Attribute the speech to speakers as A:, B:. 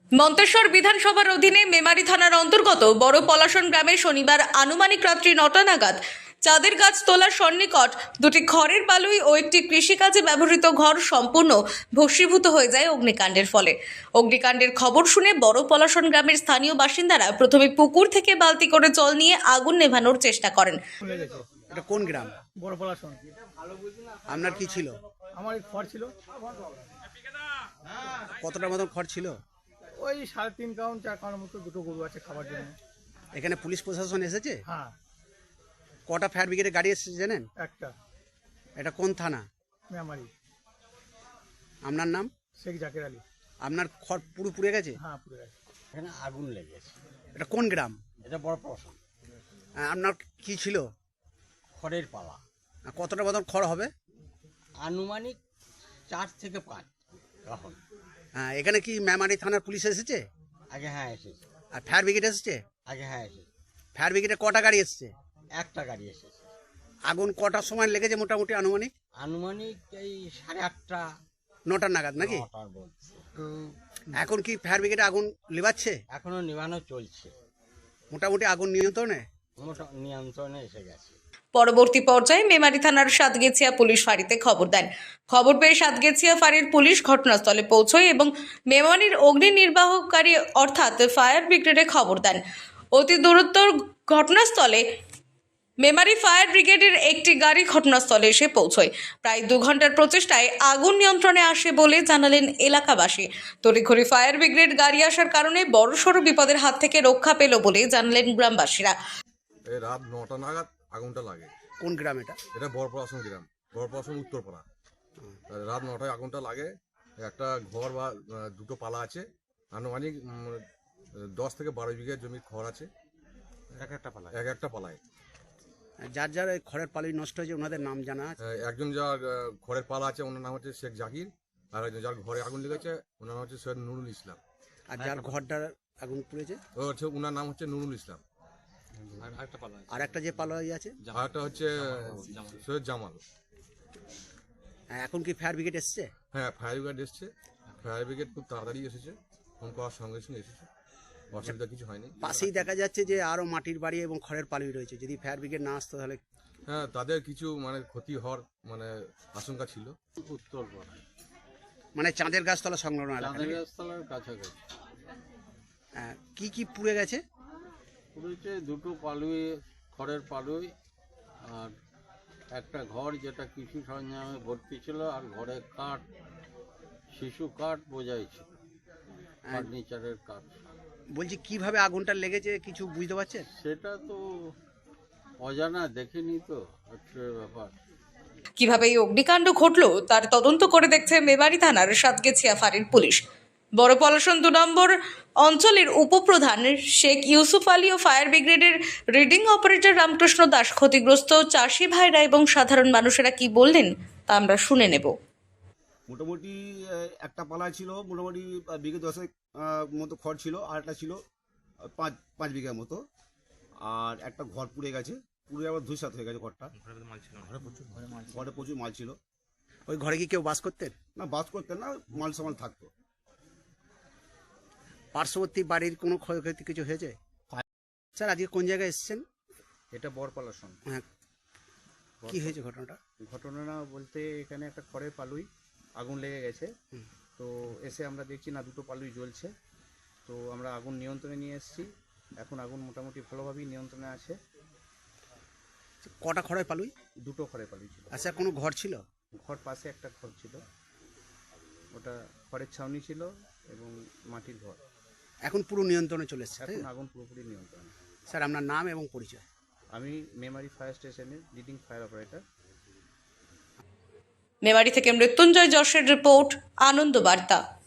A: মন্তেশ্বর বিধানসভার অধীনে মেমারি থানার অন্তর্গত বড় পলাশন গ্রামে শনিবার আনুমানিক রাত্রি 9টা নাগাদ চাঁদের গাছ তোলার সন্নিকট দুটি খড়ের পালুই ও একটি কৃষিকাজে ব্যবহৃত ঘর সম্পূর্ণ ভস্মীভূত হয়ে যায় অগ্নিকাণ্ডের ফলে। অগ্নিকাণ্ডের খবর শুনে বড় পলাশন গ্রামের স্থানীয় বাসিন্দারা প্রথমে পুকুর থেকে বালতি করে জল নিয়ে আগুন নেভানোর চেষ্টা করেন।
B: এটা কোন গ্রাম?
C: বড় পলাশন।
B: আপনার কি ছিল?
C: আমার এই খড় ছিল,
B: কতটা মতন খড় ছিল?
C: ওই 3.5 কাউন্ট 4 কাউন্ট মতো, দুটো গরু আছে খাবার জন্য।
B: এখানে পুলিশ প্রশাসন এসেছে?
C: হ্যাঁ,
B: কটা ফায়ার ব্রিগেডের গাড়ি এসেছে জানেন?
C: একটা
B: এটা কোন থানা?
C: মেমারি।
B: আপনার নাম?
C: শেখ জাকের আলী।
B: আপনার খড় পুরো পুড়ে গেছে?
C: হ্যাঁ, পুরো গেছে।
D: এখানে আগুন লেগেছে।
B: এটা কোন গ্রাম?
D: এটা বড় পলাশন।
B: আপনার কি ছিল?
D: খড়ের পালা।
B: কতটা মতন খড় হবে?
D: আনুমানিক 4 থেকে 5 এখন।
B: এখানে কি মেমারি থানার পুলিশ এসেছে?
D: আগে হ্যাঁ এসেছে।
B: আর ফায়ার ব্রিগেড এসেছে?
D: আগে হ্যাঁ এসেছে।
B: ফায়ার ব্রিগেডে কটা গাড়ি এসেছে?
D: একটা গাড়ি এসেছে।
B: আগুন কটার সময় লেগেছে মোটামুটি আনুমানিক?
D: আনুমানিক এই 8:30
B: 9টা নাগাদ নাকি?
D: 9টার বলছে।
B: এখন কি ফায়ার ব্রিগেডে আগুন লিবাচ্ছে?
D: এখনো নিভানো চলছে।
B: মোটামুটি আগুন নিয়ন্ত্রণে?
D: নিয়ন্ত্রণে এসে গেছে।
A: পরবর্তী পর্যায়ে মেমারি থানার সাতগেছিয়া পুলিশ ফাঁড়িতে খবর দেন। খবর পেয়ে সাতগেছিয়া ফাঁড়ির পুলিশ ঘটনাস্থলে পৌঁছয় এবং মেমারির অগ্নি নির্বাহকারী অর্থাৎ ফায়ার ব্রিগেডে খবর দেন। অতি দূরত্বর ঘটনাস্থলে মেমারি ফায়ার ব্রিগেডের একটি গাড়ি ঘটনাস্থলে এসে পৌঁছয়। প্রায় 2 ঘন্টার প্রচেষ্টায় আগুন নিয়ন্ত্রণে আসে বলে জানালেন এলাকাবাসী। তড়িঘড়ি ফায়ার ব্রিগেড গাড়ি আসার কারণে বড়সড় বিপদের হাত থেকে রক্ষা পেল বলে জানালেন গ্রামবাসীরা।
E: এই রাত 9টা নাগাদ আগুনটা লাগে।
B: কোন গ্রাম এটা?
E: এটা বড়পলাশন গ্রাম, বড়পলাশন উত্তরপাড়া। রাত 9টায় আগুনটা লাগে। একটা ঘর বা দুটো পালা আছে, আনুমানিক 10 থেকে 12 বিঘা জমির খড় আছে এক একটা পালায়।
B: যার যার এই খড়ের পালুই নষ্ট হয়েছে ওনাদের নাম জানা আছে?
E: একজন যার খড়ের পালা আছে ওনার নাম হচ্ছে শেখ জাকির, আর একজন যার ঘরে আগুন লেগেছে ওনার নাম হচ্ছে সৈয়দ নুরুল ইসলাম।
B: আর যার ঘরটার আগুন পুড়েছে
E: ও হচ্ছে ওনার নাম হচ্ছে নুরুল ইসলাম।
B: আর একটা যে পালুই আছে
E: আর একটা হচ্ছে সৈয়দ জামাল।
B: এখন কি ফায়ার ব্রিগেড এসছে?
E: হ্যাঁ, ফায়ার ব্রিগেড এসছে। ফায়ার ব্রিগেড খুব তাড়াতাড়ি এসেছে, ফোন করার সঙ্গে সঙ্গে এসেছে, অসুবিধা কিছু হয়নি।
B: পাশেই দেখা যাচ্ছে যে আরো মাটির বাড়ি এবং খড়ের পালুই রয়েছে, যদি ফায়ার ব্রিগেড না আসতো তাহলে?
E: হ্যাঁ, তাদের কিছু মানে ক্ষতি হওয়ার মানে আশঙ্কা ছিল।
D: উত্তরপাড়া।
B: মানে চাঁদের গাছতলা সংলগ্ন এলাকা নাকি?
D: গাছতলার কাছাকাছি।
B: কি কি পুড়ে গেছে?
D: পুরোতে দুটো পালুই, খড়ের পালুই, আর একটা ঘর যেটা কৃষি সরঞ্জামে ভর্তি ছিল, আর ঘরে কাঠ, শিশু কাঠ বোঝাই ছিল, ফার্নিচারের কাঠ।
B: বলছি কিভাবে আগুনটা লেগেছে কিছু বুঝতে পারছেন?
D: সেটা তো অজানা, দেখিনি তো, হচ্ছে ব্যাপার।
A: কিভাবে এই অগ্নিকাণ্ড ঘটল তার তদন্ত করে দেখছে মেমারি থানার সাতগেছিয়া ফাঁড়ির পুলিশ। বড় পলাশন 2 নম্বর অঞ্চলের উপপ্রধান শেখ ইউসুফ আলী ও ফায়ার ব্রিগেডের রিডিং অপারেটর রামকৃষ্ণ দাস ক্ষতিগ্রস্ত চাষি ভাইরা এবং সাধারণ মানুষেরা কি বললেন তা আমরা শুনে নেব।
F: মোটামুটি একটা পালা ছিল, মোটামুটি বিঘে 10 মতো খড় ছিল, আর একটা ছিল 5 বিঘার মতো, আর একটা ঘর পুড়ে গেছে, পুড়ে আবার ধূসরাত হয়ে গেছে ঘরটা। ঘরে প্রচুর মাল ছিল।
B: ওই ঘরে কি কেউ বাস করতেন?
F: না, বাস করতেন না, মাল সামাল থাকতো।
B: পার্শ্ববর্তী বাড়ির কোনো ক্ষয়ক্ষতি কিছু হয়েছে? স্যার আজকে কোন জায়গায় এসেছেন?
G: এটা বড়পলাশন।
B: হ্যাঁ, কি হয়েছে ঘটনাটা?
G: ঘটনা বলতে এখানে একটা খড়ের পালুই আগুন লেগে গেছে। তো এসে আমরা দেখছি না, দুটো পালুই জ্বলছে। তো আমরা আগুন নিয়ন্ত্রণে নিয়ে এসেছি। এখন আগুন মোটামুটি ভালোভাবেই নিয়ন্ত্রণে আছে।
B: কটা খড়ের পালুই?
G: দুটো খড়ের পালুই ছিল।
B: আচ্ছা, কোনো ঘর ছিল?
G: ঘর পাশে একটা ঘর ছিল, ওটা খড়ের ছাউনি ছিল এবং মাটির ঘর।
B: এখন পুরো নিয়ন্ত্রণে চলে এসছে?
G: এখন আগুন পুরোপুরি নিয়ন্ত্রণে।
B: স্যার আপনার নাম এবং পরিচয়?
G: আমি মেমারি ফায়ার স্টেশনের লিডিং ফায়ার অপারেটর।
A: মেমারি থেকে মৃত্যুঞ্জয় যশের রিপোর্ট, আনন্দ বার্তা।